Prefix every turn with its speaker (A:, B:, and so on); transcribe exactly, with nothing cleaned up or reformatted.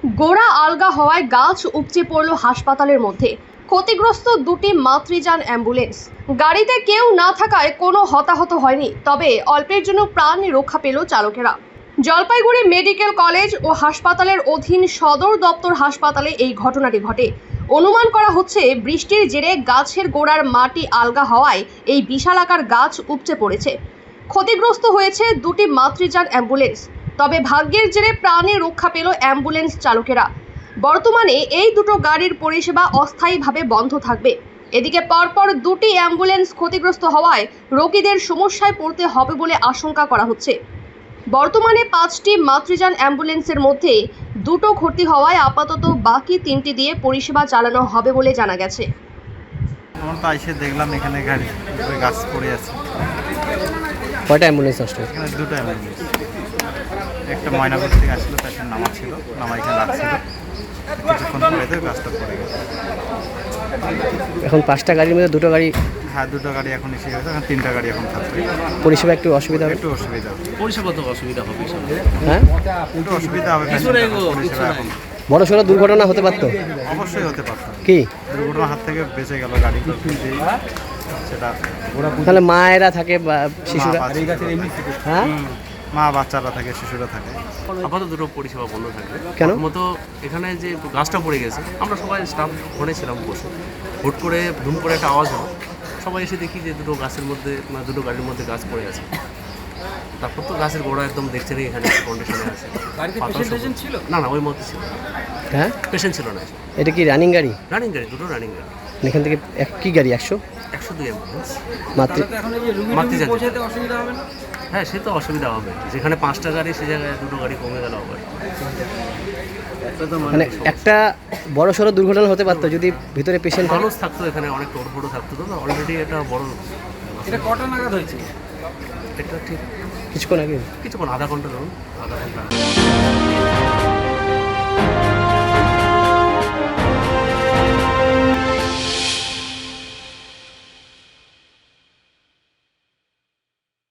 A: গোড়া আলগা হওয়ায় গাছ উপচে পড়ল হাসপাতালের মধ্যে। ক্ষতিগ্রস্ত দুটি মাতৃযান অ্যাম্বুলেন্স। গাড়িতে কেউ না থাকায় কোনো হতাহত হয়নি, তবে অল্পের জন্য প্রাণ রক্ষা পেল চালকেরা। জলপাইগুড়ি মেডিকেল কলেজ ও হাসপাতালের অধীন সদর দপ্তর হাসপাতালে এই ঘটনাটি ঘটে। অনুমান করা হচ্ছে বৃষ্টির জেরে গাছের গোড়ার মাটি আলগা হওয়ায় এই বিশালাকার গাছ উপচে পড়েছে। ক্ষতিগ্রস্ত হয়েছে দুটি মাতৃযান অ্যাম্বুলেন্স, তবে ভাগ্যের জেরে প্রাণে রক্ষা পেল অ্যাম্বুলেন্স চালকেরা। বর্তমানে এই দুটো গাড়ির পরিষেবা অস্থায়ীভাবে বন্ধ থাকবে। এদিকে পরপর দুটি অ্যাম্বুলেন্স ক্ষতিগ্রস্ত হওয়ায় রোগীদের সমস্যায় পড়তে হবে বলে আশঙ্কা করা হচ্ছে। বর্তমানে পাঁচটি মাতৃযান অ্যাম্বুলেন্সের মধ্যে দুটো ক্ষতি হওয়ায় আপাতত বাকি তিনটি দিয়ে পরিষেবা চালানো হবে বলে জানা গেছে।
B: আমার তো এসে দেখলাম এখানে গাড়ি গাছ পড়ে আছে।
C: কয়টা অ্যাম্বুলেন্স আসলো?
B: এখানে দুটো অ্যাম্বুলেন্স, একটা ময়নাপুর থেকে আসলো, পেশেন্ট নামা ছিল, নামা এখানে রাখছিল, কিছুক্ষণ পরে তো গাছটা পড়ে গেছে।
C: এখন পাঁচটা গাড়ির মধ্যে দুটো গাড়ি,
B: হ্যাঁ দুটো গাড়ি এখন এসে গেছে, এখন তিনটা গাড়ি এখন থাকবে।
C: পরিষেবা একটু অসুবিধা হবে,
B: একটু অসুবিধা হবে।
D: পরিষেবা তো অসুবিধা হবে,
C: হ্যাঁ
B: একটু অসুবিধা হবে, পরিষেবা এখন
C: বড় সড়ো দুর্ঘটনা হতে পারতো,
B: অবশ্যই হতে পারত।
C: কি
B: দুর্ঘটনার হাত থেকে বেঁচে গেল গাড়ি, সেটা
C: তাহলে মায়েরা থাকে বা শিশুরা, হ্যাঁ
B: মা বাচ্চারা থাকে, শিশুরা থাকে।
D: আপাতত দুটো পরিষেবা বন্ধ থাকবে।
C: কেন?
D: মতো এখানে যে গাছটা পড়ে গেছে, আমরা সবাই স্টাফ ফোনে ছিলাম বসে, হুট করে ধুম করে একটা আওয়াজ হলো, সবাই এসে দেখি যে দুটো গাছের মধ্যে মানে দুটো গাড়ির মধ্যে গাছ পড়ে গেছে। তারপর তো গাছের গোড়া একদম দেখছেনই এখানে কন্ডিশনে আছে। ছিল না, না ওই মধ্যে ছিল,
C: হ্যাঁ
D: পেশেন্ট ছিল না।
C: এটা কি রানিং গাড়ি?
D: রানিং গাড়ি, দুটো রানিং গাড়ি।
C: এখান থেকে এক কি গাড়ি একশো
D: একশো দুই অ্যাম্বুলেন্স
C: মাতৃ
D: মাতৃযান। হ্যাঁ সে তো অসুবিধা হবে, যেখানে পাঁচটা গাড়ি সে জায়গায় দুটো গাড়ি কমে গেল আবার।
C: মানে একটা বড় সড়ো দুর্ঘটনা হতে পারতো যদি ভিতরে পেশেন্ট থাকে।
D: মানুষ থাকতো এখানে, অনেক টোড়ফোড়ো থাকতো, তো অলরেডি এটা বড়।
E: এটা কটা নাগাদ হয়েছে?
D: এটা ঠিক
C: কিছুক্ষণ আগে,
D: কিছুক্ষণ আধা ঘন্টা ধরুন, আধা ঘন্টা